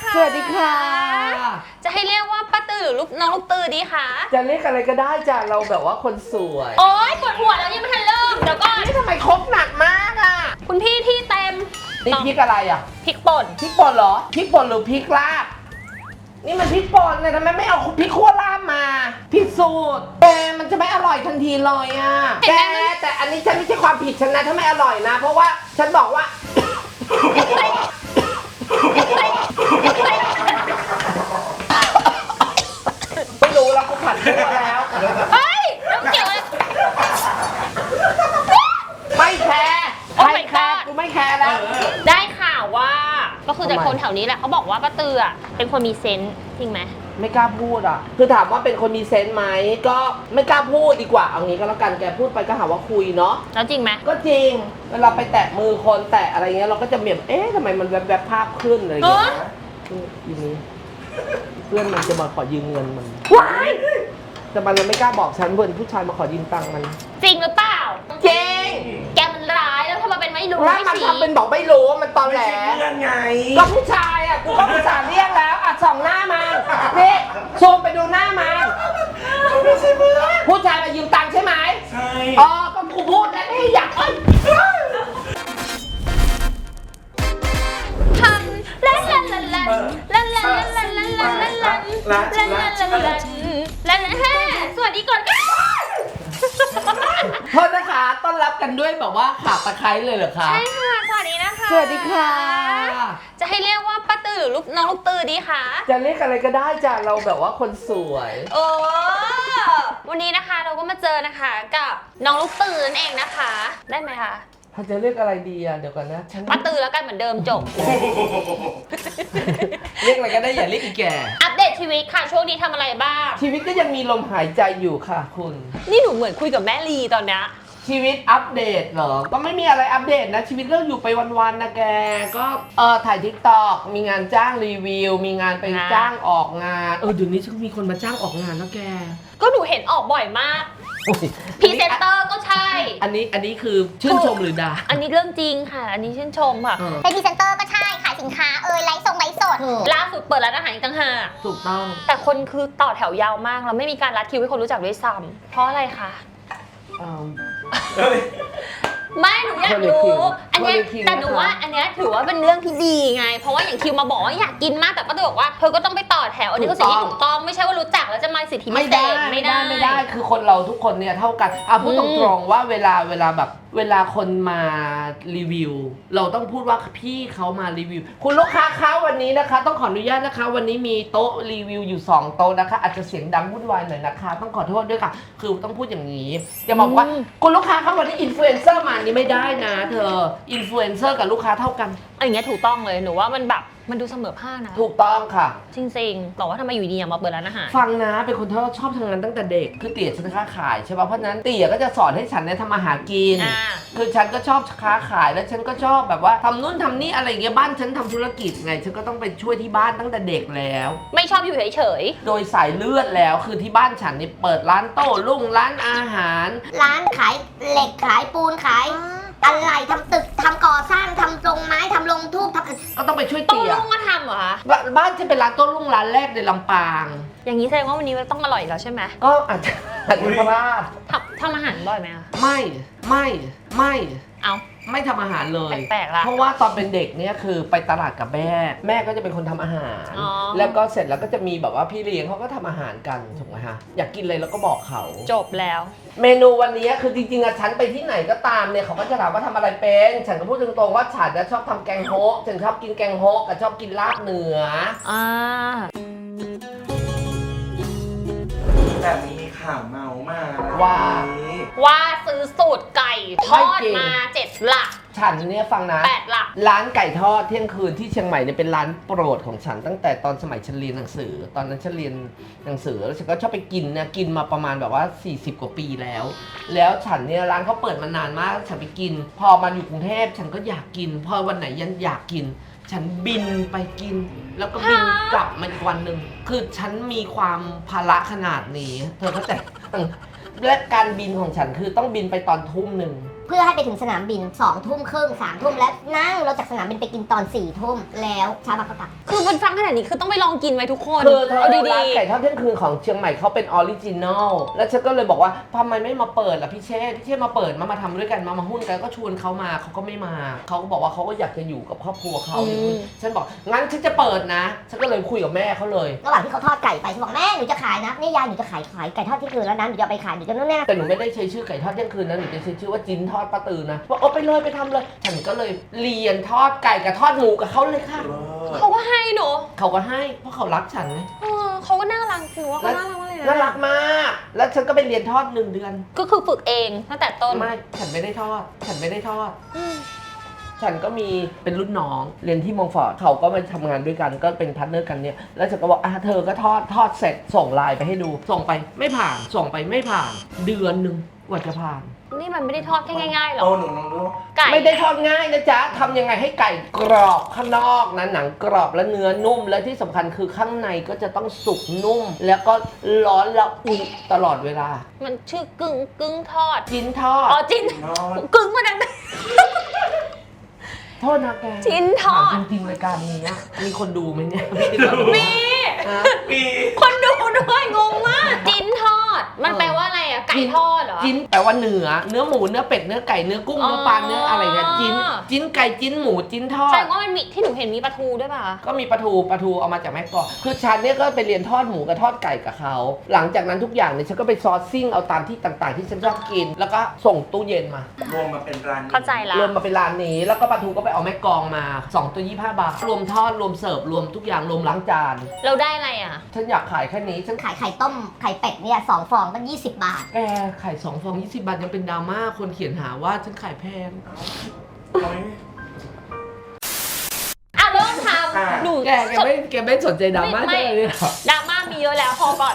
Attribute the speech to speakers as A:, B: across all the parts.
A: ค่ะ
B: สวัสดีค่ะ
A: จะให้เรียกว่าป้าตือหรือน้องลูกตือดีคะ
B: จะเรียกอะไรก็ได้จ้ะเราแบบว่าคนสวย
A: โอ๊ยปวดหัวแล้วยังไม่ทันเริ่มเดี๋ยวก่อน
B: นี่ทำไมครบหนักมากอ่ะ
A: คุณพี่ที่เต็ม
B: นี่พริกอะไรอ่ะ
A: พริกป่น
B: พริกป่นเหรอพริกป่นหรือพริกลาบนี่มันพริกป่นเนี่ยทำไมไม่เอาพริกขั่วลาบมาผิดสูตรแกมันจะไม่อร่อยทันทีเลยอ่ะแกแต่อันนี้ฉันไม่ใช่ความผิดฉันนะถ้าไม่อร่อยนะ เพราะว่าฉันบอกว่า ไม่รู้แล้วกูผัดตัวแล้ว
A: เฮ้ยแล้วเกี่ยวอะไร
B: ไม่แคร์
A: Oh
B: ไม่
A: my
B: แคร์
A: God
B: กูไม่แคร์แล้ว
A: ได้ข่าวว่า ก็คือ
B: ทำไม
A: แต่คนแถวนี้แหละเขาบอกว่าป้าตืออะเป็นคนมีเซนส์จริงไหม
B: ไม่กล้าพูดอ่ะ คือถามว่าเป็นคนมีเซนส์ไหมก็ไม่กล้าพูดดีกว่าเอางี้ก็แล้วกันแกพูดไปก็หาว่าคุยเนาะ
A: แล้วจริงไหม
B: ก็จริงเวลาไปแตะมือคนแตะอะไรเงี้ยเราก็จะเหมียบเอ๊ะทำไมมันแวบๆภาพขึ้นอะไรอย่างเงี้ยนะทีนี้เพื่อนมันจะมาขอยืมเงินมัน
A: ว้าย
B: แต่มันไม่กล้าบอกฉันเพื่อนผู้ชายมาขอยืมตังค์มัน
A: จริงหรือเปล่า
B: จริง
A: แกมันร้ายแล้วทำไมเป็นไม่รู้
B: แล้ว
A: ไม่
B: มัน
A: ชี้
B: ทำเป็นบอกไม่รู้มันตอนแหล
C: ไม่ใช่เพื่อนไง
B: ก็ผู้ชายอ่ะกูก็ผู้ชายเรียกแล้วอ่ะส่องหน้ามันนี่ซูมไปดูหน้ามัน
C: ไม่ใช่เพื่อน
B: ผู้ชายมายืมตังค์ใช่ไหม
C: ใช่
B: อ๋อก็กูพูดแล้วนี่อยากเอ้ย
A: ทันลันลันลันลันลันลันลันลันลันลันลันลันลันลันลันลันลันแฮ่สวัสดีก่อน
B: โทษนะคะต้อนรับกันด้วยแบบว่าขาตะไคร้เลยเหรอคะ
A: ใช่ค่ะสวัสดีนะคะ
B: สวัสดีค่ะ
A: จะให้เรียกว่าป้าตือหรือน้องลูกตือดีคะ
B: จะเรียกอะไรก็ได้จ้ะเราแบบว่าคนสวย
A: โอ้วันนี้นะคะเราก็มาเจอนะคะกับน้องลูกตือนั่นเองนะคะ ได้ไหมคะ
B: ถ้าจะเรียกอะไรดีอ่ะเดี๋ยวก่อนนะฉัน
A: ป้าตือแล้วกันเหมือนเดิมจบ
B: เรียกอะไรก็ได้อย่าเรียกอีแก่
A: อัปเดตชีวิตค่ะช่วงนี้ทำอะไรบ้าง
B: ชีวิตก็ยังมีลมหายใจอยู่ค่ะคุณ
A: นี่หนูเหมือนคุยกับแม่ลีตอนเนี้ย
B: ชีวิตอัปเดตเหรอ ก็ไม่มีอะไรอัปเดตนะ ชีวิตก็อยู่ไปวันๆนะแก ก็ถ่ายทิกตอกมีงานจ้างรีวิว มีงานไปจ้างออกงาน เดี๋ยวนี้ฉันมีคนมาจ้างออกงานแล้วแก
A: ก็หนูเห็นออกบ่อยมาก
B: โอ้ย
A: พรีเซนเตอร์ก็ใช่
B: อันนี้คือชื่นชมหรือด่า
A: อันนี้เรื่องจริงค่ะ อันนี้ชื่นชมค่ะ
B: เออ
D: เป็นพรีเซนเตอร์ก็ใช่ ขายสินค้าไลฟ์ส่งไลฟ์สด
A: ล่าสุดเปิดร้านอาหารอีกต่างหาก
B: ถูกต้อง
A: แต่คนคือต่อแถวยาวมากแล้วไม่มีการรัดคิวให้คนรู้จักด้วยซ้ำเพราะอะไรคะ
B: เอิ่ม
A: ไม่หนูอยากรู้ อันเนี้ย
B: คนละคิว
A: แต่หนูว่าอันเนี้ยถือว่าเป็นเรื่องที่ดีไง เพราะว่าอย่างคิวมาบอกว่าอยากกินมากแต่ป้าตือบอกว่าเธอก็ต้องไปต่อแถวอันนี้ก็สิ่งที่ถูกต้องไม่ใช่ว่ารู้จักแล้วจะมาสิทธิพิ
B: ไม่
A: เศ
B: ได้
A: ษ
B: ไม่ได้คือคนเราทุกคนเนี่ยเท่ากันพูดตรงๆว่าเวลาแบบเวลาคนมารีวิว เราต้องพูดว่าพี่เขามารีวิว คุณลูกค้าคะวันนี้นะคะ ต้องขออนุญาตนะคะ วันนี้มีโต๊ะรีวิวอยู่2โต๊ะนะคะ อาจจะเสียงดังวุ่นวายหน่อยนะคะ ต้องขอโทษด้วยค่ะ คือต้องพูดอย่างนี้จะบอกว่าคุณลูกค้าคะวันนี้อินฟลูเอนเซอร์มานี่ไม่ได้นะเธออินฟลูเอนเซอร์กับลูกค้าเท่ากัน
A: อันเนี้ยถูกต้องเลยหนูว่ามันแบบมันดูเสมอภาคนะ
B: ถูกต้องค่ะ
A: จริงๆแต่ว่าทำไมอยู่ดีๆมาเปิดร้านอาหาร
B: ฟังนะเป็นคนที่ชอบทำงานตั้งแต่เด็กคือเตี๋ยฉันค้าขายใช่ป่ะเพราะฉะนั้นเตี๋ยก็จะสอนให้ฉันเนี่ยทำอาหารกิน
A: อ่า
B: คือฉันก็ชอบค้าขายแล้วฉันก็ชอบแบบว่าทำนู่นทำนี่อะไรอย่างเงี้ยบ้านฉันทำธุรกิจไงฉันก็ต้องไปช่วยที่บ้านตั้งแต่เด็กแล้ว
A: ไม่ชอบอยู่เฉย
B: โดยสายเลือดแล้วคือที่บ้านฉันนี่เปิดร้านโต้รุ่งร้านอาหาร
D: ร้านขายเหล็กขายปูนขายอะไรทำตึกทำก่อสร้างทำโรงไม้ทำโรงทูบทำ
B: ก็ต้องไปช่วย
A: ๆต้อง
B: เตี๋ย
A: ลุงมาทำเหรอคะ
B: บ้านฉันเป็นร้านโต้รุ่งร้านแรกในลำปาง
A: อย่างนี้แสดงว่าวันนี้ต้องอร่อยแล้วใช่ไหม
B: ก็อาจจะพลาด
A: ทำอาหารบ่อยไหมคะ
B: ไม่
A: เอา
B: ไม่ทำอาหารเลย
A: แปลกๆละ
B: เพราะว่าตอนเป็นเด็กเนี่ยคือไปตลาดกับแม่ แม่ก็จะเป็นคนทำอาหาร
A: อ๋อ
B: แล้วก็เสร็จแล้วก็จะมีแบบว่าพี่เลี้ยงเขาก็ทำอาหารกันถูกไหมฮะ อยากกินอะไรแล้วก็บอกเขา
A: จบแล้ว
B: เมนูวันนี้คือจริงๆอะฉันไปที่ไหนก็ตามเนี่ยเขาก็จะถามว่าทำอะไรเป็น ฉันก็พูดตรงๆว่าฉันจะชอบทำแกงโฮะฉันชอบกินแกงโฮะกับชอบกินลาบเหนือ
A: อ่า
C: แต่มีข่าวเมามานะ
B: ว่า
A: ว่าซื้อสูตรไก่ทอด
B: ไม่จริง
A: มา7 หลัก
B: ฉันเนี่ยฟังนะ
A: 8 หลัก
B: ร้านไก่ทอดเที่ยงคืนที่เชียงใหม่เนี่ยเป็นร้านโปรดของฉันตั้งแต่ตอนสมัยฉันเรียนหนังสือ ตอนนั้นฉันเรียนหนังสือแล้วฉันก็ชอบไปกินนะกินมาประมาณแบบว่า40 กว่าปีแล้ว แล้วฉันเนี่ยร้านเขาเปิดมานานมากฉันไปกิน พอมาอยู่กรุงเทพฉันก็อยากกิน พอวันไหนยันอยากกิน ฉันบินไปกิน แล้วก็บินกลับมาอีกวันหนึ่งคือฉันมีความภาระขนาดนี้ เธอเข้าใจ และการบินของฉันคือต้องบินไปตอนทุ่มหนึ่ง
D: เพื่อให้ไปถึงสนามบิน2 ทุ่มครึ่ง3 ทุ่มและนั่งรถจากสนามบินไปกินตอน4 ทุ่มแล้วเช้ามาก็กลับ
A: คือมันฟังขนาดนี้คือต้องไปลองกินไว้ทุกคน
B: คือเธอ
A: เอา
B: ร้าน
A: ดี
B: ไก่ทอดเที่ยงคืนของเชียงใหม่เขาเป็นออริจินอลแล้วฉันก็เลยบอกว่าทำไมไม่มาเปิดล่ะพี่เชษมาเปิดมาทำด้วยกันมาหุ้นกันก็ชวนเขามาเขาก็ไม่มาเขาก็บอกว่าเขาก็อยากจะอยู่กับครอบครัวเขาฉันบอกงั้นฉันจะเปิดนะฉันก็เลยคุยกับแม่เขาเลย
D: ระหว่างที่เขาทอดไก่ไปฉันบอกแม่หนูจะขายนะนี่ยายหนูจะขายไก่ทอดที่คืนแล้วนะหนูจะเอาไปขายหนูจะนู่นนี่
B: แต่หนูไม่ได้ใช้ชื่อไก่ทอดเที่ยงคืนนะหนูจะใช้ชื่อว่าจิ้นทอดป้าตือนะบอกเอาไปเลยไปทำเลยฉันก็เลยเรียนทอดไก่กับทอดหมูกับเขาเลยค่ะ
A: ๆเขาก็ให้หนู
B: เขาก็ให้เพราะเขารักฉันไง
A: เขาก็น่ารักหนูว่าเขาน่ารักมากเลยนะ
B: น่ารักมาก แล้วฉันก็ไปเรียนทอด1 เดือน
A: ก็คือฝึกเองตั้งแต่ต้น
B: ไม่ฉันไม่ได้ทอด ฉันไม่ได้ทอด ฉันก็มีเป็นรุ่นน้องเรียนที่มองฟอร์ดเขาก็มาทำงานด้วยกันก็เป็นพาร์ทเนอร์กันเนี่ยแล้วฉันก็บอกเธอก็ทอดเสร็จส่งไลน์ไปให้ดูส่งไปไม่ผ่านส่งไปไม่ผ่านเดือนหนึ่งกว่าจะผ่าน
A: นี่มันไม่ได้ทอดแค่ง่ายๆหรอ
C: โอ้หนูลองดู
A: ไก่
B: ไม่ได้ทอดง่ายนะจ๊ะทำยังไงให้ไก่กรอบข้างนอกนะหนังกรอบและเนื้อนุ่มและที่สำคัญคือข้างในก็จะต้องสุกนุ่ม แล้วก็ร้อนละอุตลอดเวลา
A: มันชื่อกึ่งทอด
B: จิ้นทอด
A: อ๋อจิ้น
C: นอน
A: กึ่งมาดัง
B: โทษนะแก
A: จิ้นทอด
B: ถามจริงๆรายการนี้อะมีคนดูไหมเนี่ย
A: มี
B: ฮะ
C: ปี
A: คนดูด้วยงงมากจิ้นทอด มันแปลว่าอะไรอะไก่ทอดเหรอ
B: จิ้นแปลว่าเนื้อหมูเนื้อเป็ดเนื้อไก่เนื้อกุ้ง
A: อ๋อ
B: เนื้อปลาเนื้ออะไรเงี้ยจิ้นไก่จิ้นหมูจิ้นทอ
A: แส
B: ด
A: ดงว่ามันมีที่หนูเห็นมีปลาทูด้วยป่ะ
B: ก็มีปลาทูเอามาจากแม่กลองคือฉันเนี่ยก็ไปเรียนทอดหมูกับทอดไก่กับเขาหลังจากนั้นทุกอย่างเนี่ยฉันก็ไปซอร์ซิ่งเอาตามที่ต่างๆ ที่ฉันชอบกิน แล้วก็ส่งตู้เย็นมาร
C: วมมาเป็นร้านนี้
A: เข้าใจละ
B: รวมมาเป็นร้านนี้แล้วก็ปลาทูก็ไปเอาแม่กลองมา2 ตัว 25 บาทรวมทอดรวมเสิร์ฟรวมทุกอย่างรวมล้างจาน
A: เราได้อะไรอะ
B: ฉันอยากขายแค่นี้ฉัน
D: ขายไข่ต้มไข่เป็ดเนี่ย2 ฟองตั้ง20 บาท
B: แกขาย2 ฟอง 20 บาทยังเป็นดราม่าคนเขียนหาว่าฉันขายแพง
C: เอาไหม
A: อ่ะเริ่มท
C: อ่ะ
A: ำหนู
B: แกไม่สนใจดราม่า
A: ไม่
B: ใช่ไหมเนี่ย
A: ดราม่ามีเยอะแล้วพอก่อน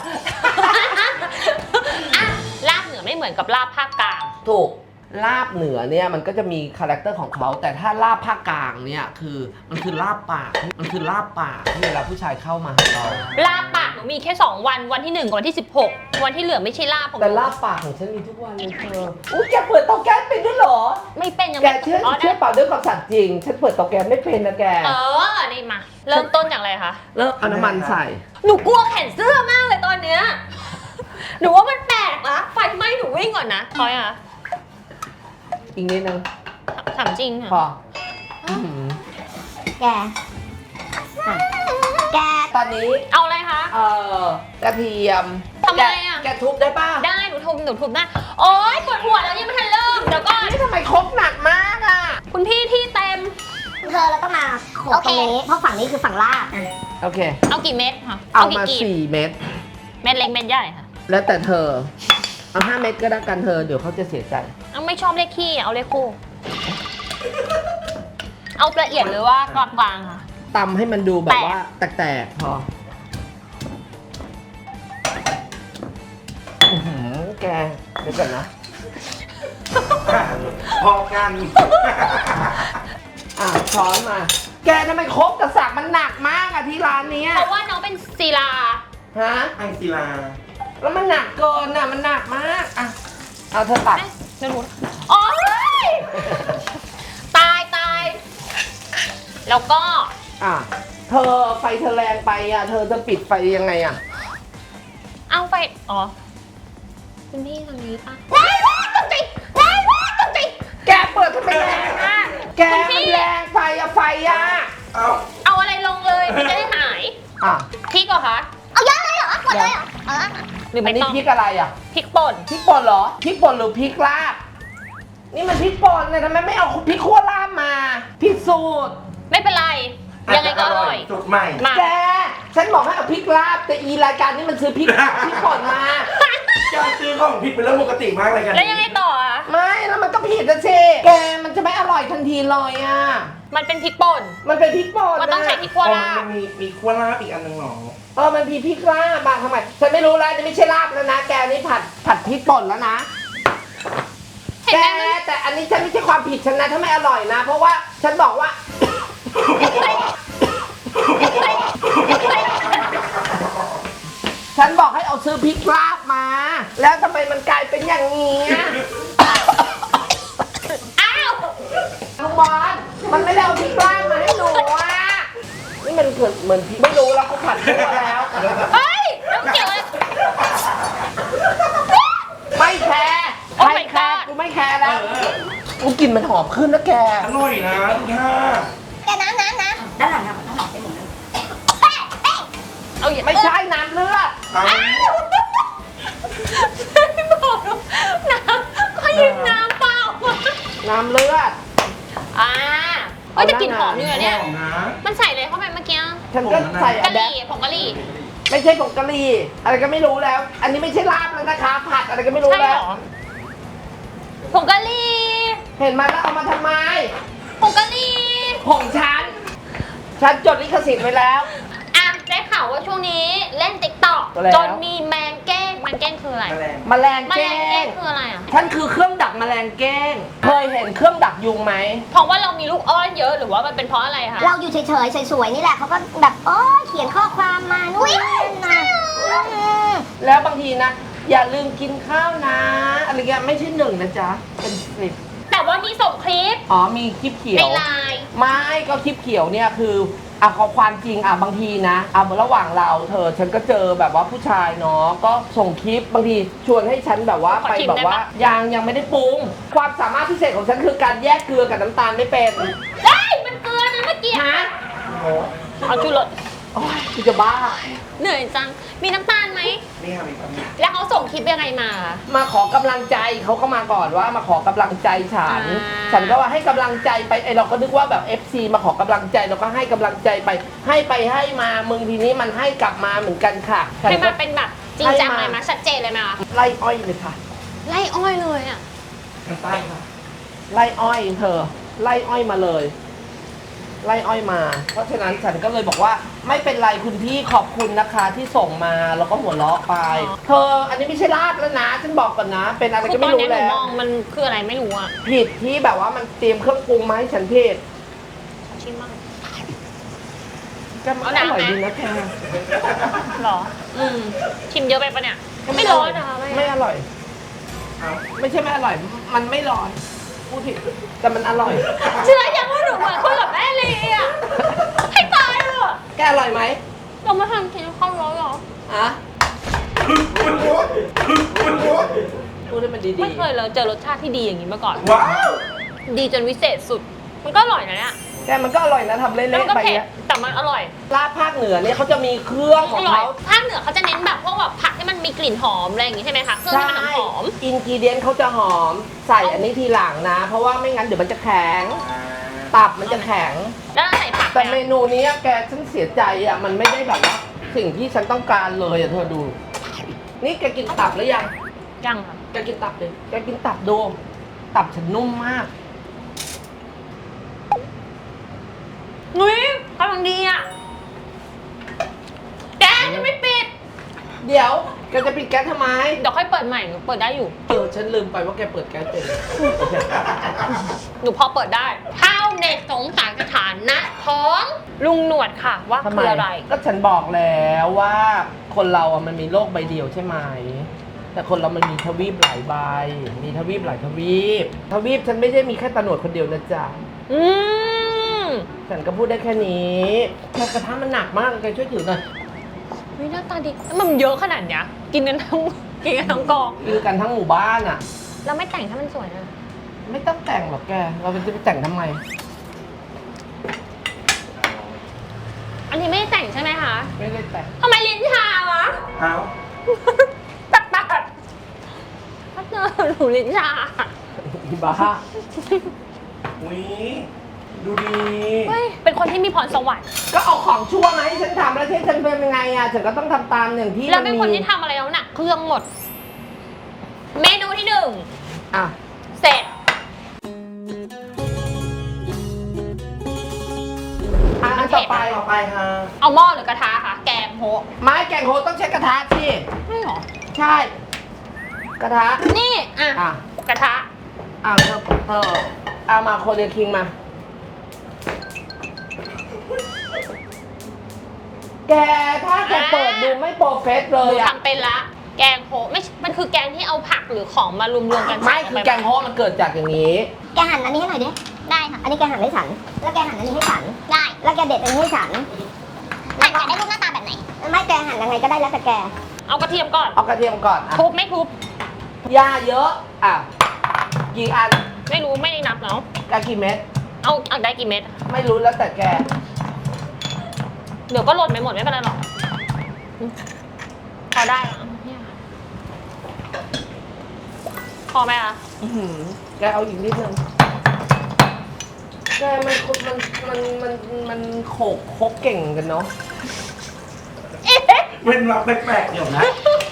A: อ่ะลาบเหนือไม่เหมือนกับลาบภาคกลาง
B: ถูกลาบเหนือเนี่ยมันก็จะมีคาแรคเตอร์ของเขาแต่ถ้าลาบภาคกลางเนี่ยคือมันคือลาบปากที่เวลาผู้ชายเข้ามาหาเรา
A: ลาบปากหนูมีแค่2 วันวันที่1กับวันที่ 16 วันที่เหลือไม่ใช่ลาบของห
B: แต่
A: นู
B: ลาบปากของฉันมีทุกวันเลยเธออุ้ยแกเปิดเตาแก๊สเป็นด้วยเหรอ
A: ไม่เป็นยัง
B: แก
A: ไม่
B: เชื่อ
A: อ๋อ
B: เชื่อเปล่าด้วยความสัตย์จริงฉันเปิดเตาแก๊สไม่เป็นนะแก
A: นี่มา เริ่มต้นจากอะไรคะ
B: แล้วเอาน้ำมันใส่
A: หนูกลัวแขนเสื้อมากเลยตอนเนี้ยหนูว่ามันแปลกนะไฟไหม้หนูวิ่งก่อนนะพอยอ่ะ
B: อีกนิดนึง
A: ถามจริง
B: พอ
A: ค่ะ
B: อื้อหือ
D: แกอ่ะแก
B: ตอนนี้
A: เอาอะไรคะ
B: กระเทียม
A: ทำอะไรอะ
B: แกทุบได้ป่ะ
A: ได้หนูทุบได้โอ๊ยปวดหัวแล้วยังไม่ทันเริ่มเดี๋ยวก่อน
B: นี่ทำไมครกหนักมากอ่ะ
A: คุณพี่ที่เต็ม
D: เธอเราต้องมาโขกตรงนี้เพราะฝั่งนี้คือฝั่งลาบอ่ะ
B: โอเค
A: เอากี่เม็ดคะ
B: เอามา
A: กี่
B: 4 เม็ด
A: เม็ดเล็กเม็ดใหญ่ค่ะ
B: แล้วแต่เธอ เอา5 เม็ดก็ได้กันเธอ เดี๋ยวเขาจะเสียใจ
A: เอาไม่ชอบเลขขี้เอาเลขคู่ เอาละเอียดหรือว่ากลางๆค่ะ
B: ตำให้มันดูแบบว่าแตกๆพออื้อหือแกเดี๋ยวก่อนนะ
C: พอกัน
B: ช้อนมา แกทำไมครกกับสักมันหนักมากอะที่ร้านเนี้ย
A: เพราะว่าน้องเป็นศิลา
B: ฮะ
C: ไอศิลา
B: แล้วมันหนักเกินอะมันหนักมากอะเอาเธอตัด
A: เดี๋ยวหนูโอ๊ยตาย แล้วก็
B: อ่ะเธอไฟเธอแรงไปอะเธอจะปิดไฟยังไงอะ
A: เอาไปอ๋อคุณพี่ทางนี้ปะ
B: แกเปิดทำไมแรงอะแกมันแรงไปอะไฟอะ
C: เอา
A: เอาอะไรลงเลยมันจะได้หาย
B: อ่ะ
A: พริกเหรอคะ
D: เอาเยอะเลยเหรอหมดเลยเหรอเออ
A: หรือ
B: อั
A: ไม่
B: นนี้
A: ต้อง
B: พริกอะไรอะ
A: พริกป่น
B: พริกป่นเหรอพริกป่นหรือพริกลาบนี่มันพริกป่นเนี่ยทำไมไม่เอาพริกขั่วลาบมาพิสูจน์
A: ไม่เป็นไรยังไงก็อร่อย
C: จุดใหม่
A: มา
B: แกฉันบอกให้เอาพริกลาบแต่อีรายการนี้มันซื้อพริก พริกป่นมา
C: การซื้อของผิดเป็นเรื่องปกติมากเลยกัน
A: แล้วยังไงต่ออ่ะ
B: ไม่แล้วมันก็ผิดนะสิแกมันจะไม่อร่อยทันทีเลยอ่ะ
A: มันเป็นพริกป่น
B: มันเป็นพริกป่น
A: มันต้องใช้
B: ะ
A: พริกขั่ว
C: อ๋อ
A: ลา
C: มั
A: บ
C: นมีขั้วลาบอีกอันหนึ่งหรอ
B: มันมีพริกลาบมาทำไมฉันไม่รู้แล้วนี่ไม่ใช่ลาบแล้วนะแกนี่ผัดพริกป่นแล้วนะ
A: เห็น
B: แก
A: ไหม
B: แต่อันนี้ฉันไม่ใช่ความผิดฉันนะถ้าไม่อร่อยนะ เพราะว่าฉันบอกว่า ฉันบอกให้เอาซื้อพริกลาบมา แล้วทำไมมันกลายเป็นอย่างนี้อะบอลมันไม่ได้เอาพริกลาบมาให้หนูอ่ะนี่มันเหมือนพริกไม่รู้แล้วก็ผัดทั่วแล้ว
A: เฮ้ยน้ำเกี่ยวอะไร
B: ไม่แคร์
A: โอ้
B: ใคร
A: my
B: แคร์
A: god
B: กูไม่แคร์แล้วกูกลิ่นมันหอมขึ้นนะแก
C: อร่อยนะทุกท่า
D: แกน้ำด้านหลังอะด้านหลังเป็นหมดเลย
A: เอาอย่า
B: ไม่ใช่น้ำเลือด
C: เอา
A: บอกน้ำก็ยิงน้ำเปล่า
B: น้ำเลือด
A: อ่าเอ้ยแต่กลิ่นหอมอยู่นะเนี่ย
C: หอมนะ
A: มันใส่อะไรเข้าไปเมื่อกี้
B: ฉันก็ใส่
A: กะ
B: อะ
A: ห
B: แด
A: รี่ผงกะหรี่
B: ไม่ใช่ผงกะหรี่อะไรก็ไม่รู้แล้ว อันนี้ไม่ใช่ลาบแล้วนะคะ ผัดอะไรก็ไม่รู้
A: ใช่
B: แล้
A: เห
B: ว
A: รอผงกะหรี่
B: เห็นไหมแล้วเอามาทำไม
A: ผงกะหรี่
B: ของฉันจดลิขสิทธิ์ไว้แล้ว
A: อ่ะได้ข่าวว่าช่วงนี้เล่นติ๊กต็อก
B: แล้ว
A: จนมีแมงแก้งแมงแก้งคืออะไร
C: แมลง
B: แมลง
A: แมล
B: แก้
A: งแก้ง
B: ง
A: คืออะไรอ่ะ
B: ฉันคือเครื่องดักแมลงแก้ง เคยเห็นเครื่องดักยุงไหม
A: เพราะว่าเรามีลูกอ้อนเยอะหรือว่ามันเป็นเพราะอะไรคะ
D: เราอยู่เฉยๆสวยๆนี่แหละเขาก็แบบโอ้เขียนข้อความมานู่นนั่นนะ
B: แล้วบางทีนะ อย่าลืมกินข้าวนะ อะไรเงี้ยไม่ใช่หนึ่งนะจ๊ะ เป็นสิบ
A: แต่ว่ามีส่งคลิป
B: อ๋อมีคลิปเขีย
A: ใน
B: ว
A: ไลน์
B: ไม่ก็คลิปเขียวเนี่ยคือขอความจริงบางทีนะระหว่างเราฉันก็เจอแบบว่าผู้ชายเนาะก็ส่งคลิปบางทีชวนให้ฉันแบบว่าไปแบบว่ายังไม่ได้ปรุง ความสามารถพิเศษของฉันคือการแยกเกลือกับน้ำตาลไม่เป็น
A: ได้มันเกลือนะเมื่อกี้
B: ฮะ
A: เอาชูรส
B: โอ้ยกูจะบ้า
A: เหนื่อยจัง มีน้ำตาลไหม
C: นี่ค่ะมีความมี
A: แล้วเขาส่งคลิปยังไงมา
B: มาขอกำลังใจเขาก็มาก่อนว่ามาขอกำลังใจฉัน ฉันก็ว่าให้กำลังใจไปเราก็นึกว่าแบบ FC มาขอกำลังใจเราก็ให้กำลังใจไป ให้มามึงทีนี้มันให้กลับมาเหมือนกันค่ะฉั
A: ให้
B: ก็
A: มาเป็นแบบจริงจังเลยมาชัดเจนเลยไหมคะ
B: ไล่อ้อยเลยค่ะ
A: ไล่อ้อยเลยอ่ะ
C: ทางใต้ค่ะ
B: ไล่อ้อยเธอ ไล่อ้อยมาเลย ไล่อ้อยมา เพราะฉะนั้นฉันก็เลยบอกว่าไม่เป็นไรคุณพี่ขอบคุณนะคะที่ส่งมาแล้วก็หัวเราะไป เธออันนี้ไม่ใช่ลาบแล้วนะฉันบอกก่อนนะ เป็นอะไร
A: คือ
B: ก็
A: ตอ
B: ไม่
A: น
B: รู้
A: นี้หนู
B: แล้ว
A: มองมันคืออะไรไม่รู้อ่ะ
B: ผิดที่แบบว่ามันเตรียมเครื่องปรุงมาให้ฉันผิด
A: ชิมบ้าง
B: ก็มันอร่อยดีนะแก
A: หรอ ชิมเยอะไปปะเนี่ย ไม่ร้อนนะคะ
B: ไม่อร่อย
C: เอา
B: ไม่ใช่ไม่อร่อย มันไม่ร้อนพูดผิดแต่มันอร่อย
A: เชื่อยังว่าหนูเหมือนคนกับแม่เลยอ่ะ ให้ตายเลยอะ
B: แกอร่อยไหม
A: เรามาทำกินข้าวร้อนหรอ
B: อะ
C: คุณโอ๊ตคุณโอ๊ต
B: พูดให้มันดี
A: ไม่เคยเลยเจอรสชาติที่ดีอย่างนี้มาก่อน
C: ว้าว
A: ดีจนวิเศษสุด มันก็อร่อยนะเนี่ย
B: ๆแกมันก็อร่อยนะทำเละ
A: แล้วมันก็
B: ๆไป
A: เผ็ด
B: เนี้ย
A: แต่มันอร่อย
B: ลาบภาคเหนือเนี่ยเขาจะมีเครื่องข
A: อ
B: อง
A: ร่อย
B: เขา
A: ภาคเหนือเขาจะเน้นแบบพวกแบบผักที่มันมีกลิ่นหอมอะไรอย่างงี้ใช่ไหมคะ เครื่องที่มันหอม
B: อินกิเดียนเขาจะหอม ใส่อันนี้ทีหลังนะ เพราะว่าไม่งั้นเดี๋ยวมันจะแข็ง
C: อ่า
B: ตับมันจะแข็ง
A: ๆแล้วใส่ผัก
B: แต่
A: ไห
B: เม
A: ม
B: นูนี้แกฉันเสียใจอ่ะมันไม่ได้แบบว่าสิ่งที่ฉันต้องการเลยอ่ะเธอดู นี่แกกินตับหรือยัง
A: ยังค่ะ
B: แกกินตับเลยแกกินตับดูตับฉันนุ่มมาก
A: นุ้ยกำลังดีอ่ะแดนยังไม่ปิด
B: เดี๋ยวแกจะปิดแก๊สทำไม
A: เดี๋ยวค่อยเปิดใหม่หนูเปิดได้อยู่
B: ฉันลืมไปว่าแกเปิดแก๊สเป็น
A: หนูพอเปิดได้ข้าวเน็ตสงสารสถานะของลุงหนวดค่ะว่า
B: ทำไม
A: คืออะไร
B: ก็ฉันบอกแล้วว่าคนเราอ่ะมันมีโลกใบเดียวใช่ไหม แต่คนเรามันมีทวีปหลายใบ มีทวีปหลายทวีป ทวีปฉันไม่ได้มีแค่ตะหนวดคนเดียวนะจ๊ะ
A: อืม
B: ฉันก็พูดได้แค่นี้แค่กระทะมันหนักมากแกช่วยถือหน่อย
A: เฮ้ยหน้าตาดีแล้วมันเยอะขนาดเนี้ยกินกันทั้งกอง
B: คือกันทั้งหมู่บ้านอ่ะ
A: แล้วไม่แต่งถ้ามันสวยนะ
B: ไม่ต้องแต่งหรอกแก เราจะไปแต่งทำไม
A: อันนี้ไม่ได้แต่งใช่ไหมคะ
B: ไม่ได้แต่ง
A: ทำไมลิ้นชาวะ
C: เอา
A: ตัดถ้าเจอหนูลิ้นชา
B: อีบ้า
C: อุ้ยดูดี
A: เฮ้ยเป็นคนที่มีพรสวรรค์
B: ก็เอาของชั่วมาให้ฉันทำแล้วที่ฉันเป็นยังไงอ่ะฉันก็ต้องทำตามอย่างที่
A: แล้ว
B: มัน
A: เป็น
B: มี
A: คนที่ทำอะไรแล้วหนักเครื่องหมด เมนูที่หนึ่ง
B: อ่ะ
A: เสร็จ
B: อันต่อไป
C: ต่อไปค่ะ
A: เอาหม้อหรือกระทะคะแกงโฮะ
B: ไม้แกงโฮต้องใช้กระทะสิ
A: ไม่หรอ
B: ใช่ กระทะ
A: นี่ อ่ะ
B: อ่ะ
A: กระทะ
B: เอามาโคเรียคิงมา แกถ้าแกเปิดดูไม่โปรเฟสเล
A: หนู
B: ยอ่ะ
A: ทำเป็นละ แกงโฮะไม่มันคือแกงที่เอาผักหรือของมารวมๆกัน
B: ไม่
A: ใส่ล
B: คื
A: ง
B: อ
A: ป
B: แกงโฮมันเกิดจากอย่างนี้
D: แกหันอันนี้ให้หน่อยดิ
A: ได้ค่ะ
D: อันนี้แกหั่นให้ฉัน แล้วแกหั่นอันนี้ให้ฉัน
A: ได้
D: แล้วแกเด็ดอันนี้ให้ฉัน
A: แต่อยากได้รูปหน้าตาแบบไหน
D: ไม่แกหั่นยังไงก็ได้แล้วแต่แก
A: เอากระเทียมก่อน
B: เอากระเทียมก่อนอ่ะ
A: ทุบไม่ทุบ
B: ยาเยอะอ่ะกี่อัน
A: ไม่รู้ไม่ได้นับแล้ว
B: กะกี่เม็ด
A: เอาได้กี่เม็ด
B: ไม่รู้แล้วแต่แก
A: เดี๋ยวก็หล่นไปหมดไม่เป็นไรหรอกพอได้แล้วพอไหมคะ
B: อื้อหือแกเอาอีกนิดนึงแกมันโขกคกเก่งกันเนาะ
C: เว้นวักแปลกๆเดี๋ยวนะ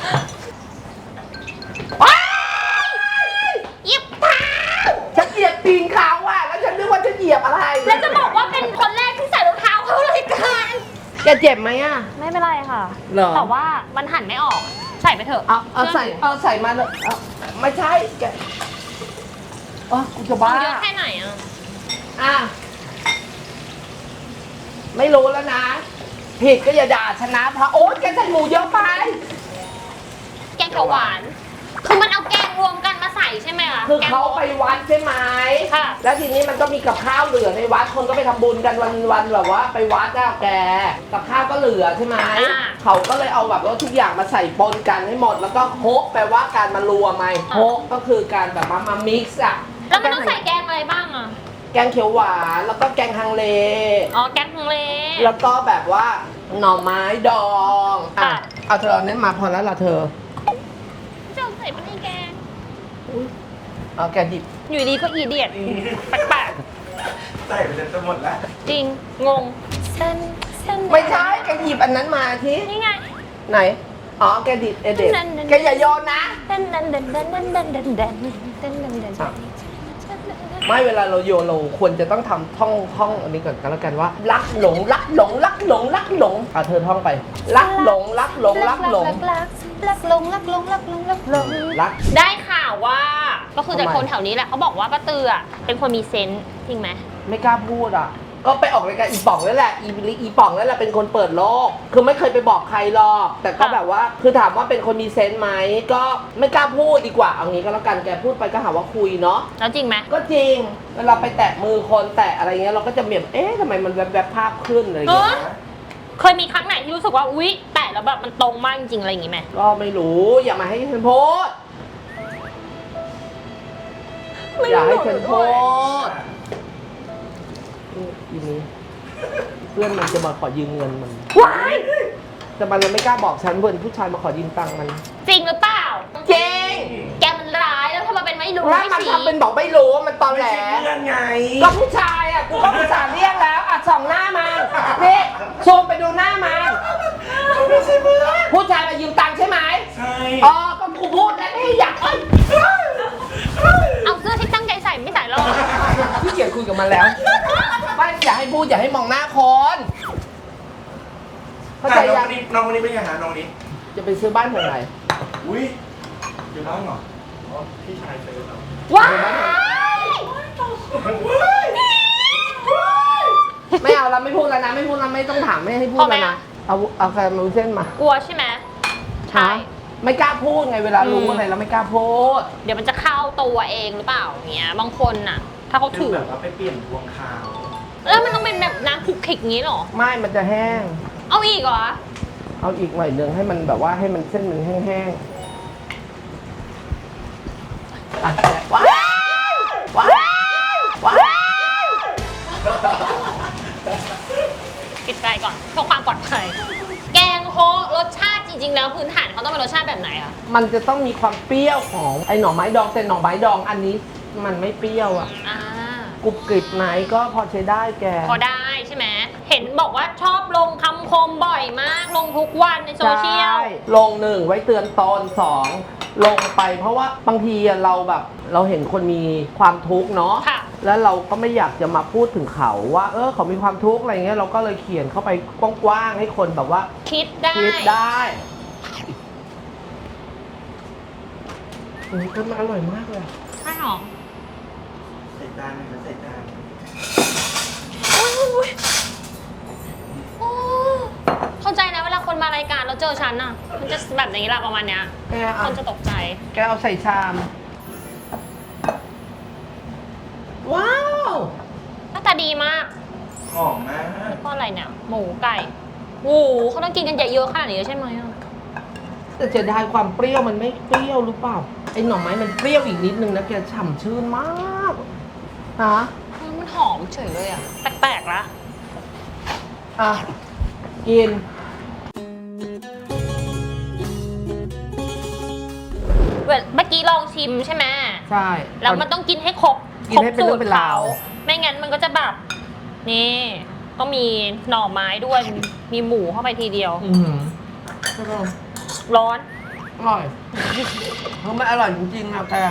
A: ยิบ
B: ฉันเหยียบตีนเขาอ่ะแล้วฉันนึกว่าจะเหยียบอะไร
A: แล้วจะบอกว่าเป็นคนแรกที่ใส่รองเท้าเข้ารายการ
B: แกเจ็บไหมอ่ะ
A: ไม่เป็นไรค่ะ
B: เหรอ
A: แต่ว่ามันหั่นไม่ออก ใส่ไปเถอะ
B: เอาใส่มาเลยเอาไม่ใช่แกกูจะบ้า
A: เอาเยอะแค่ไหนอ่ะ
B: อ่ะไม่รู้แล้วนะ ผิดก็อย่าด่าชนะเพราะโอ๊ตแกใส่หมูเยอะไป
A: แกงเขียวหวาน คือมันเอาแกงรวมกันมาใส่ใช่ไหมคะ
B: คือ
A: แกง
B: เขาไปวัดใช่ไหม
A: ค่ะ
B: แล้วทีนี้มันก็มีกับข้าวเหลือในวัด คนก็ไปทำบุญกันวันแบบว่าไปวัดอะแก กับข้าวก็เหลือใช่ไหม เขาก็เลยเอาแบบว่าทุกอย่างมาใส่ปนกันให้หมด แล้วก็โฮกแปลว่าการมารวมไหมโฮกก็คือการแบบมามิกซ์อะ
A: แล้วมันต้องใส่แกงอะไรบ้างอ่ะ
B: แกงเขียวหวานแล้วก็แกงฮังเล
A: อ๋อ แกงฮังเล
B: แล้วก็แบบว่าหน่อไม้ดองอ่ะ
A: ค่ะ
B: เอาเธอเอาเนี้ยมาพอแล้วล่ะเธอ
A: จะใส่ไปในแกง
B: เอาแกดิบ
A: อยู่ดีก็อีเดียดแปลก
C: ใส่ไปจนจะหมดแล้ว
A: ๆจริง งงเส้น
B: ไม่ใช่แกหยิบอันนั้นมาที่
A: นี่ไง
B: ไหน อ๋อแกดิบเด็ด
A: นั่นๆๆ
B: แกอย่าโยนนะ
A: เต้นเต้นเต้นเต้นเต้นเต้นเต้นเต้นเต้นเต้นเต้น
B: ไม่เวลาเราโยนเราควรจะต้องทำท่องอันนี้ก่อนก็แล้วกันว่ารักหลงรักหลงรักหลงรักหลงอ่ะเธอท่องไป รักหลงรักหลงรักหลง
A: รักหลงรักหลงรักหลงรักหลง
B: รัก
A: ได้ข่าวว่า ก็คือจาก
B: ทำไม
A: คนแถวนี้แหละเขาบอกว่าป้าเตือเป็นคนมีเซนส์จริงไหม
B: ไม่กล้าพูดอ่ะ ก็ไปออกรายการอีป่องนั่นแหละอีป่องนั่นแหละเป็นคนเปิดโลก คือไม่เคยไปบอกใครหรอก แต่ก็แบบว่า คือถามว่าเป็นคนมีเซนส์ไหม ก็ไม่กล้าพูดดีกว่า เอางี้ก็แล้วกัน แกพูดไปก็หาว่าคุยเนาะ
A: แล้วจริงไหม
B: ก็จริง เวลาไปแตะมือคนแตะอะไรเงี้ยเราก็จะแบบเอ๊ะทำไมมันแวบๆภาพขึ้นอะไร
A: เอ
B: เงี้
A: อย เคยมีครั้งไหนที่รู้สึกว่าอุ๊ยแตะแล้วแบบมันตรงมากจริงๆอะไรอย่างงี้ไหม
B: ก็ไม่รู้ อย่ามาให้ฉันพูด อย่าให้ฉันพูดอีนี้เพื่อนมันจะมาขอยืมเงินมัน
A: ว้าย
B: แต่มันเลยไม่กล้าบอกฉันเพื่อนผู้ชายมาขอยืมตังค์มัน
A: จริงหรือเปล่า
B: จริง
A: แกมันร้ายแล้วทำไมเป็นไม่รู้
B: แล้ว
A: ไม่
B: มัน
A: ชี้
B: ทำเป็นบอกไม่รู้ว่ามันตอน
C: ไม่
B: แหล
C: ใช่เพื่อนไง
B: ก็ผู้ชายอ่ะกูก็ผู้ชายเรียกแล้วอ่ะส่องหน้ามันนี่ซูมไปดูหน้ามัน
C: ไม่ใช่เพื่อน
B: ผู้ชายมายืมตังค์ใช่ไหม
C: ใช่
B: อ๋อก็กูพูดแล้วนี่อยากเอ้ย
A: เอาเสื้อที่ตั้งใจใส่ไม่ใส่หรอก
B: พี่เกียรคุยกับมันแล้วไม่อย่าให้พูดอย่าให้มองหน้าคนเข้าใจ
C: น้
B: ยั
C: อง
B: ง
C: คนนี้น้องคนนี้เป็นไงฮะน้องคนนี้
B: จะไปซื้อบ้านแถวไหน
C: อุ้ยอยู่บ้านเหรออ๋อพี่ชายซื้อครับ
A: ว้าย
B: ไม่เอาแล้วไม่พูดแล้วนะไม่พูดแล้วไม่ต้องถามไม่ให้พูดแล้วนะเอาแฟนมาเส้นมาก
A: ลัวใช่ไหมใช่
B: ไม่กล้าพูดไงเวลารู้อะไรแล้วไม่กล้าพูด
A: เดี๋ยวมันจะเข้าตัวเองหรือเปล่าอย่างเงี้ยบางคนน่ะ ถ้าเขา
C: ถื
A: ถื
C: อ
A: อ
C: แบบว่าไปเปลี่ยนพวงคราว
A: แล้วมันต้องเป็นแบบน้ำคลุกคลิกงี้เหรอ
B: ไม่มันจะแห้ง
A: เอาอีกเหรอ
B: เอาอีกหน่อยนึงให้มันแบบว่าให้มันเส้นมันแห้งๆอ่ะว้าวว้าวว้าว
A: ปิดไฟก่อนเพื่อความปลอดภัย แกงโฮะรสชาติจริงๆแล้วพื้นฐานเขาต้องเป็นรสชาติแบบไหนอะ
B: มันจะต้องมีความเปรี้ยวของไอ้หน่อไม้ดองแต่หน่อไม้ดองอันนี้มันไม่เปรี้ยวอ่ะ
A: อ่าก
B: รุบกริบไหนก็พอใช้ได้แก
A: พอได้ใช่ไหมเห็นบอกว่าชอบลงคำคมบ่อยมากลงทุกวันในโซเชียล
B: ใช่ลงหนึ่งไว้เตือนตอนสองลงไปเพราะว่าบางทีอะเราแบบเราเห็นคนมีความทุกข์เนาะ
A: ค่ะ
B: แล้วเราก็ไม่อยากจะมาพูดถึงเขาว่าเขามีความทุกข์อะไรเงี้ยเราก็เลยเขียนเข้าไปกว้างๆให้คนแบบว่า
A: คิดได้
B: คิดได้ก็มันอร่อยมากเลยอะ
A: ใช่หรอ
C: ใส่จานนะครับใส่จาน
A: อุ๊ยโอ้เข้าใจนะเวลาคนมารายการแล้วเจอฉันอะมันจะแบบนี้แหละประมาณเนี้ย
B: แก
A: ค
B: เอา
A: นจะตกใจ
B: แกเอาใส่ชาม ว้าว
A: ดีมาก
C: หอมมาก
A: นี่ก็อะไรเนี่ยหมูไก่โอ้โหเขาต้องกินกันเยอะๆขนาดนี้ใช่ไหมอะ
B: แต่เสียดายความเปรี้ยวมันไม่เปรี้ยวหรือเปล่าไอ้หน่อไม้มันเปรี้ยวอีกนิดนึงนะแกฉ่ำชื่นมากฮะ
A: มันหอมเฉยเลยอะแปลกๆละ
B: อ่ะกิน
A: เมื่อกี้ลองชิมใช่ไหม
B: ใช่
A: แล้วมันต้องกินให้ครบ
B: กินให้เป็นเรื่องเป็นราว
A: ไม่งั้นมันก็จะแบบนี่ก็มีหน่อไม้ด้วยมีหมูเข้าไปทีเดียว
B: อืมใช่ป่ะ
A: ร้อน
B: อร่อยเพราะมันอร่อยจริงๆนะแก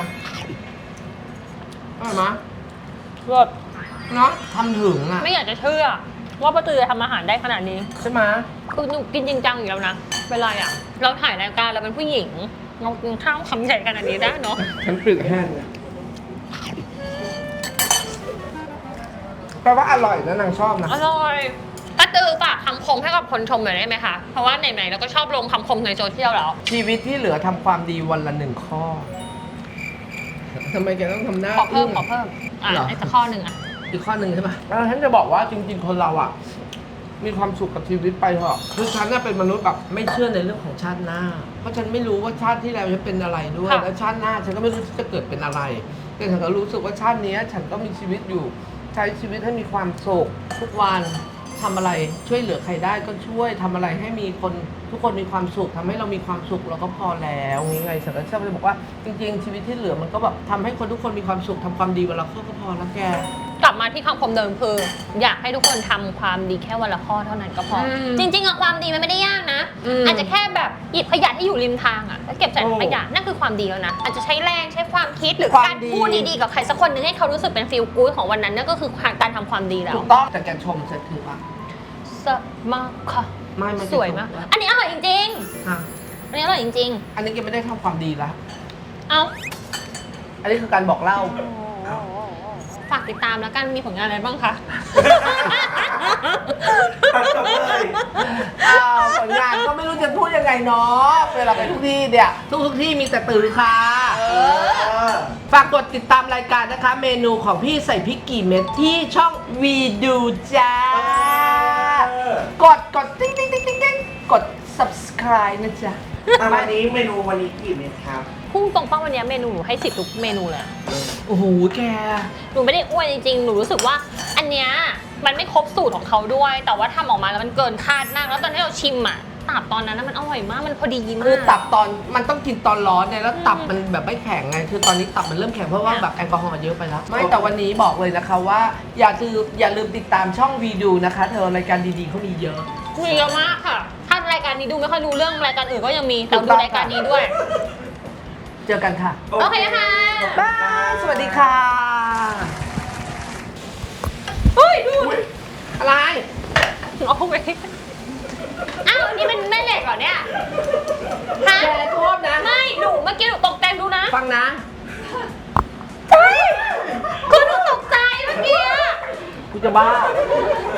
B: อร่อยไหม
A: รส
B: เนาะทำถึงอ่ะ
A: ไม่อยากจะเชื่อว่าป้าตือทำอาหารได้ขนาดนี้
B: ใช่ไหม
A: คือหนูกินจริงจังอยู่แล้วนะเวลาอ่ะเราถ่ายรายการเราเป็นผู้หญิงเรากินข้าวคำใหญ่ขนาดนี้ได้เนาะ
B: ฉันปรึกแห้งเนี่ยแปลว่าอร่อยนะนางชอบนะ
A: อร่อยป้าตือฝากคำคมให้กับคนชมหน่อยได้ไหมคะเพราะว่าไหนๆเราก็ชอบลงคำคมในโซเชียลแล้ว
B: ชีวิตที่เหลือทำความดีวันละ1 ข้อทำไมแกต้องทำหน้า
A: ขอเพิ่มอ่ะ
B: เหรอ
A: ไอ้สักข้อหนึ่งอ่ะ
B: อีกข้อหนึ่งใช่ไหมฉันจะบอกว่าจริงๆคนเราอ่ะ มีความสุขกับชีวิตไปเถอะคือฉันน่ะเป็นมนุษย์แบบไม่เชื่อในเรื่องของชาติหน้า เพราะฉันไม่รู้ว่าชาติที่แล้วฉันเป็นอะไรด้วย แล้วชาติหน้าฉันก็ไม่รู้จะเกิดเป็นอะไร แต่ฉันก็รู้สึกว่าชาตินี้ฉันก็มีชีวิตอยู่ ใช้ชีวิตให้มีความสุขทุกวันทำอะไรช่วยเหลือใครได้ก็ช่วยทำอะไรให้มีคนทุกคนมีความสุขทำให้เรามีความสุขเราก็พอแล้วนี่ไงฉันก็ชอบจะบอกว่าจริง ๆ ชีวิตที่เหลือมันก็แบบทำให้คนทุกคนมีความสุขทำความดีวันละข้อก็พอแล้วแก
A: กลับมาที่คำคมเดิมคืออยากให้ทุกคนทำความดีแค่วันละข้อเท่านั้นก็พออ
B: ม
A: จริงๆอะความดีมันไม่ได้ยากนะ
B: อืม
A: อาจจะแค่แบบหยิบขยะที่อยู่ริมทางอะแล้วเก็บใส่ถังขยะนั่นคือความดีแล้วนะอาจจะใช้แรงใช้ความคิดหรือ
B: ความ
A: การ
B: ดี
A: พูดดีๆกับใครสักคนหนึงให้เขารู้สึกเป็นฟีลกู๊ดของวันนั้นนั่นก็คือการทำความดีแล้ว
B: ถูกต้องแต่แกชมเสร็จถือป่ะ
A: สมากค่ะ
B: ไม่
A: สวยมาก อันนี้อร่อยจริง
B: อ่ะ
A: ๆอันนี้อร่อยจริง
B: อันนี้แกไม่ได้ทำความดีละ
A: ๆเอา
B: อันนี้คือการบอกเล่า
A: ฝากติดตามแล้วกันมีผลงานอะไรบ้างคะ
C: ตัดจบเลย
B: ผลงานก็ไม่รู้จะพูดยังไงเนาะเวลาไปทุกที่เนี่ยทุกที่มีแต่ตือค่ะฝากกดติดตามรายการนะคะ เมนูของพี่ใส่พริกกี่เม็ดที่ช่องวีดูจ้ากดติ๊งติ๊งติ๊งติ๊งติ๊งกด subscribe นะจ๊ะ
C: วันนี้เมนูวันนี้กี่เม็ดครับ
A: พุ่งตรงป้าวันนี้เมนูหนูให้10ทุกเมนูเลยอะ
B: โอ้โหแก
A: หนูไม่ได้อ้วนจริงๆ หนูรู้สึกว่าอันเนี้ยมันไม่ครบสูตรของเขาด้วย แต่ว่าทำออกมาแล้วมันเกินคาดมาก แล้วตอนที่เราชิมอ่ะตับตอนนั้นนะมันอร่อยมาก มันพอดีมาก
B: คือตับตอนมันต้องกินตอนร้อนเนี่ยแล้วตับมันแบบไม่แข็งไงคือตอนนี้ตับมันเริ่มแข็งเพราะว่าแบบแอลกอฮอล์เยอะไปแล้วไม่แต่วันนี้บอกเลยนะคะว่าอย่าลืมติดตามช่องวีดูนะคะ เธอรายการดีๆเขามีเยอะ
A: มีเยอะมากค่ะ ถ้ารายการนี้ดูไม่ค่อยรู้เรื่องรายการอื่นก็ยังมี แต่
B: ถูก
A: ดู
B: ต้อง
A: รายการนี้ด้วย
B: เจอกันค่ะ
A: โอเคค่ะ
B: บาย สวัสดีค่ะ
A: เฮ้ยดู
B: อะไร
A: เอาไปอ้าวนี่เป็นแม่เหล็กเหรอเนี่ย ฮะ
B: แกโทษนะ
A: ไม่ หนูเมื่อกี้หนูตกใจดูนะ
B: ฟังนะ
A: เฮ้ยคือหนูตกใจเมื่อกี้อะ
B: กูจะบ้า